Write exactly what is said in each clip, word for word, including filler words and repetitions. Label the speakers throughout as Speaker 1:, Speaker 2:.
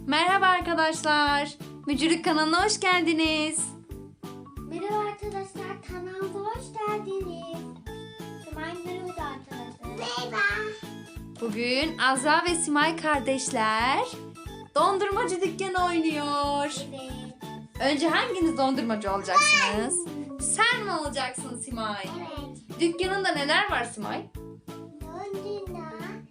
Speaker 1: Merhaba arkadaşlar. Mücürlük kanalına hoş geldiniz.
Speaker 2: Merhaba arkadaşlar, kanalımıza hoş geldiniz. Simay merhaba arkadaşlar. Merhaba.
Speaker 1: Bugün Azra ve Simay kardeşler dondurmacı dükkanı oynuyor.
Speaker 2: Evet.
Speaker 1: Önce hanginiz dondurmacı olacaksınız? Sen mi olacaksın Simay?
Speaker 2: Evet.
Speaker 1: Dükkanında neler var Simay?
Speaker 2: Dondurma.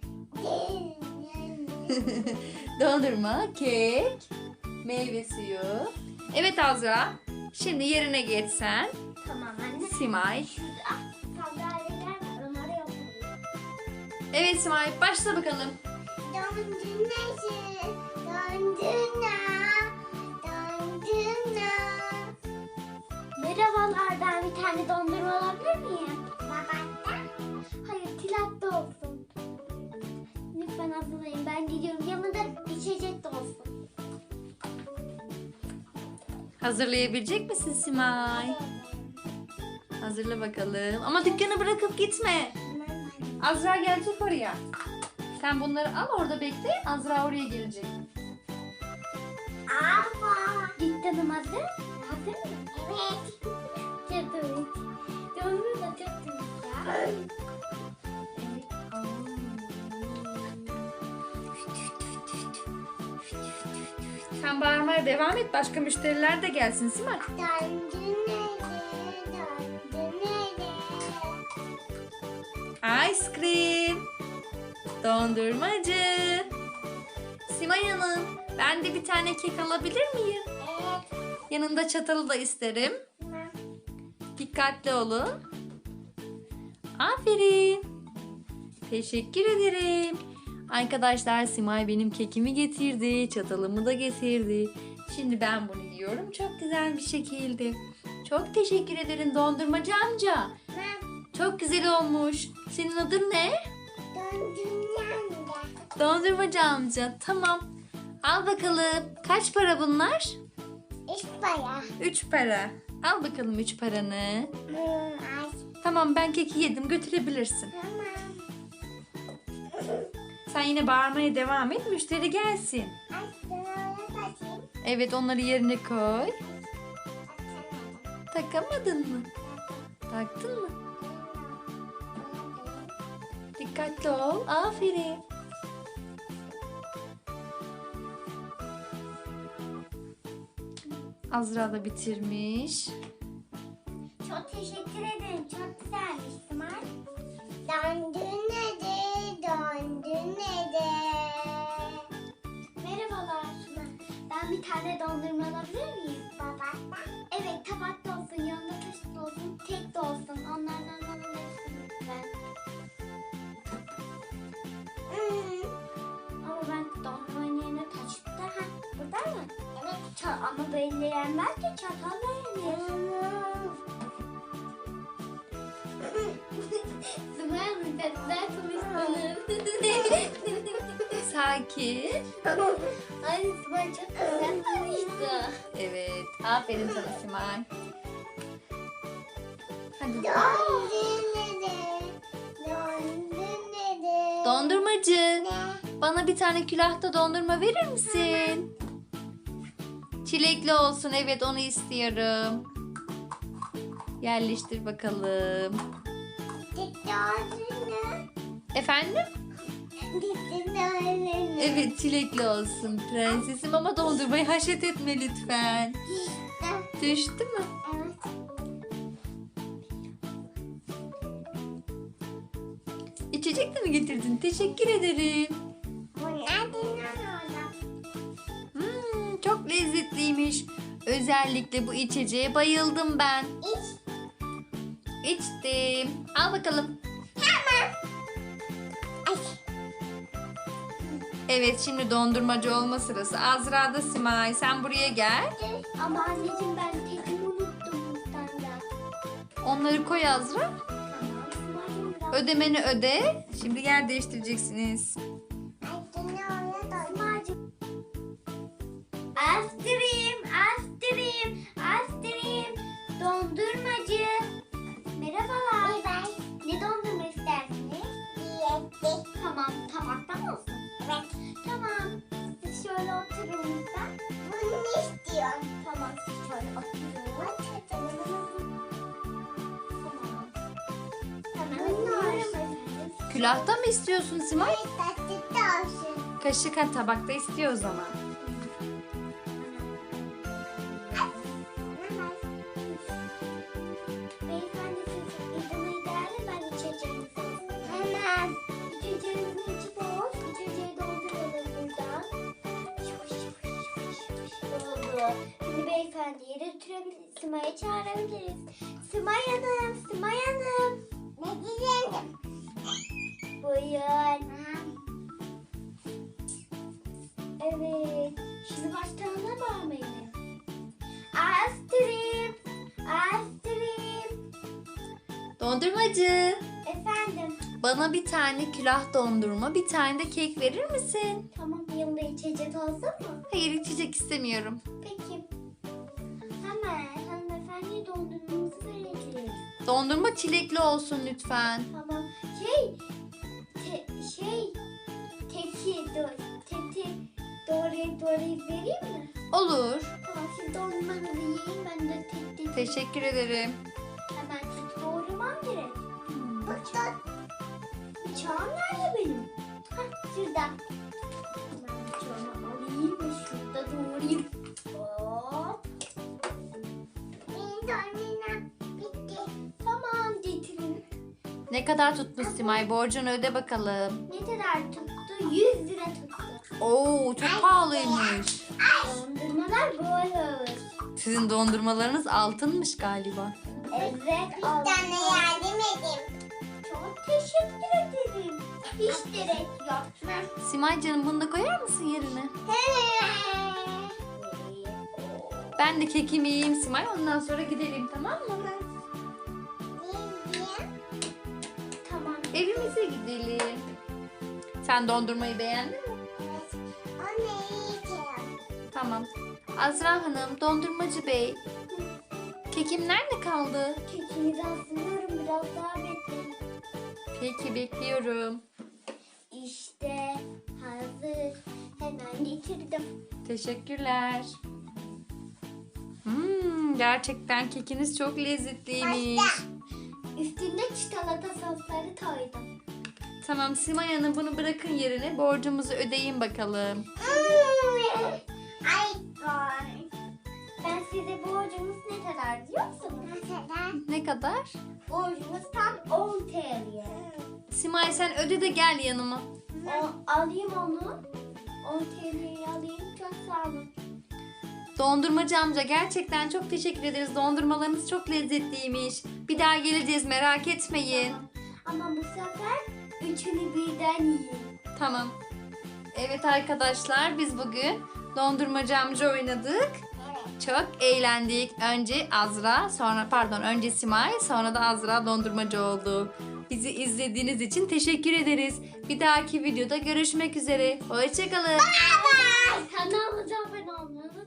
Speaker 1: Dondurma, kek, meyve suyu. Evet Azra. Şimdi yerine geçsen.
Speaker 2: Tamam anne.
Speaker 1: Simay.
Speaker 2: Şurada sandalyeler var, onları yapalım.
Speaker 1: Evet Simay, başla bakalım.
Speaker 2: Dondurmacı. Dondurma. Dondurma. Merhabalar, ben bir tane dondurma alabilir miyim? Babakta. Hayır, tilatta olsun. Lütfen hazırlayın, ben gidiyorum. Yanında içecek de olsun.
Speaker 1: Hazırlayabilecek misin Simay? Hazırla bakalım. Ama dükkanı bırakıp gitme. Azra gelecek oraya. Sen bunları al, orada bekle. Azra oraya gelecek.
Speaker 2: Ama. Dükkanım hazır. Hazır mı? Evet. Çok temiz. Dondurma da çok temiz ya. Evet.
Speaker 1: Sen bağırmaya devam et. Başka müşteriler de gelsin Simay. Ice cream. Dondurmacı. Simay Hanım, ben de bir tane kek alabilir miyim?
Speaker 2: Evet.
Speaker 1: Yanında çatalı da isterim. Dikkatli olun. Aferin. Teşekkür ederim. Arkadaşlar Simay benim kekimi getirdi. Çatalımı da getirdi. Şimdi ben bunu yiyorum. Çok güzel bir şekilde. Çok teşekkür ederim dondurmacı amca. Çok güzel olmuş. Senin adın ne? Dondurmacı amca. Tamam. Al bakalım. Kaç para bunlar?
Speaker 2: İspanya.
Speaker 1: Üç para. Al bakalım üç paranı. Tamam, ben keki yedim. Götürebilirsin.
Speaker 2: Tamam.
Speaker 1: Sen yine bağırmaya devam et. Müşteri gelsin. Evet, onları yerine koy. Takamadın mı? Taktın mı? Dikkatli ol. Aferin. Azra da bitirmiş.
Speaker 2: Çok teşekkür ederim. Çok güzelmiş Simay. Dondurma dondurma. Merhabalar. Ben bir tane dondurma alabilir miyim? Tabakta. Evet, tabakta olsun, yanında taşıt olsun, tek de olsun. Onlardan alabilirsin lütfen. Hmm. Ama ben dondurmanın yerine taşıt da ha, burada mı? Evet. Ça- ama böyle yenmez ki, çatalla yenir. Simay Hanım, güzel konuştunuz.
Speaker 1: Sakin.
Speaker 2: Ay Simay çok güzel konuştu.
Speaker 1: Evet. Aferin sana Simay. Hadi. Dondurmacı. Bana bir tane külahta dondurma verir misin? Çilekli olsun. Evet, onu istiyorum. Yerleştir bakalım. Efendim? Evet, çilekli olsun prensesim, ama dondurmayı haşet etme lütfen. Düştü mü? İçecek de mi getirdin? Teşekkür ederim. Hmm, çok lezzetliymiş. Özellikle bu içeceğe bayıldım ben. İçtim. Al bakalım. Evet, şimdi dondurmacı olma sırası. Azra da Simay. Sen buraya gel.
Speaker 2: Ama anneciğim, ben tekimi unuttum da.
Speaker 1: Onları koy Azra.
Speaker 2: Tamam, Simay'cığım biraz.
Speaker 1: Ödemeni öde. Şimdi yer değiştireceksiniz.
Speaker 2: Simay'cığım. Ice cream, ice cream, ice cream. Dondurmacı. Merhabalar. Merhaba. Ne dondurma istersiniz? Tamam, tabakta mı olsun? Evet. Tamam. Siz şöyle şöyle oturun lütfen. Bunu ne istiyorsun? Tamam siz şöyle oturun. Tamam. Hemen alıyorum efendim.
Speaker 1: Külahta mı istiyorsun Simay?
Speaker 2: Tatlıda olsun.
Speaker 1: Kaşık ha, tabakta istiyor o zaman.
Speaker 2: Beyefendi siz izin ederse ben içeceğim. Hemen. İçeceğinizin içi boş. İçeceği dolduralım buradan. Yavaş yavaş yavaş yavaş. Oldu. Şimdi beyefendiyi götürebiliriz. Sima'yı çağırabiliriz. Simay Hanım, Simay Hanım. Ne diyeceğim? Buyurun. Evet. Şimdi başlarına bağlayalım. Astrid. Astrid.
Speaker 1: Dondurmacı.
Speaker 2: Efendim.
Speaker 1: Bana bir tane külah dondurma, bir tane de kek verir misin?
Speaker 2: Tamam yanında içecek olsun mu?
Speaker 1: Hayır, içecek istemiyorum.
Speaker 2: Peki. Hemen hanımefendiye dondurmamızı vereceğiz.
Speaker 1: Dondurma çilekli olsun lütfen.
Speaker 2: Tamam. Şey. Te, şey. Teki. Do, teti. Doğrayıp doğrayıp vereyim mi?
Speaker 1: Olur.
Speaker 2: Tamam siz dondurmanızı yiyin ben de tek tek.
Speaker 1: Teşekkür ederim.
Speaker 2: Hemen tut doğramam gerek.
Speaker 1: Hmm.
Speaker 2: Bıçak. Bıçağım nerede benim? Hah şurada. Hemen bıçağımı alayım ve şurada doğrayayım. Hop. Benim dondurmam bitti. Tamam getirin.
Speaker 1: Ne kadar tutmuş Simay? Borcunu öde bakalım.
Speaker 2: Ne kadar tuttu? yüz lira tuttu.
Speaker 1: Oo, çok pahalıymış.
Speaker 2: Dondurmalar böyle.
Speaker 1: Sizin dondurmalarınız altınmış galiba.
Speaker 2: Evet. Bir tane yardım edeyim. Çok teşekkür ederim. Hiç gerek yok.
Speaker 1: Simay canım, bunu da koyar mısın yerine? Ben de kekimi yiyeyim Simay. Ondan sonra gidelim, tamam mı?
Speaker 2: Tamam.
Speaker 1: Evimize gidelim. Sen dondurmayı beğendin mi?
Speaker 2: Evet. O ne yiyeceğim?
Speaker 1: Tamam. Azra Hanım, dondurmacı bey. Kekim nerede kaldı?
Speaker 2: Kekinizi hazırlıyorum. Biraz daha bekleyin.
Speaker 1: Peki, bekliyorum.
Speaker 2: İşte hazır. Hemen getirdim.
Speaker 1: Teşekkürler. Hmm, gerçekten kekiniz çok lezzetliymiş.
Speaker 2: Üstünde çikolata sosları koydum.
Speaker 1: Tamam Simay Hanım, bunu bırakın yerine. Borcumuzu ödeyin bakalım.
Speaker 2: Ay ben size borcumuz ne kadar diyor musunuz? Ne kadar?
Speaker 1: Ne kadar?
Speaker 2: Borcumuz tam on T L.
Speaker 1: Simay sen öde de gel yanıma.
Speaker 2: O, alayım onu. on T L'yi alayım. Çok sağ olun.
Speaker 1: Dondurmacı amca, gerçekten çok teşekkür ederiz. Dondurmalarınız çok lezzetliymiş. Bir daha geleceğiz, merak etmeyin.
Speaker 2: Ama bu sefer üçünü birden yiyin.
Speaker 1: Tamam. Evet arkadaşlar, biz bugün dondurmacı amca oynadık. Çok eğlendik. Önce Azra, sonra pardon önce Simay, sonra da Azra dondurmacı oldu. Bizi izlediğiniz için teşekkür ederiz. Bir dahaki videoda görüşmek üzere. Hoşçakalın.
Speaker 2: Bye bye. Kanalımıza abone olmayı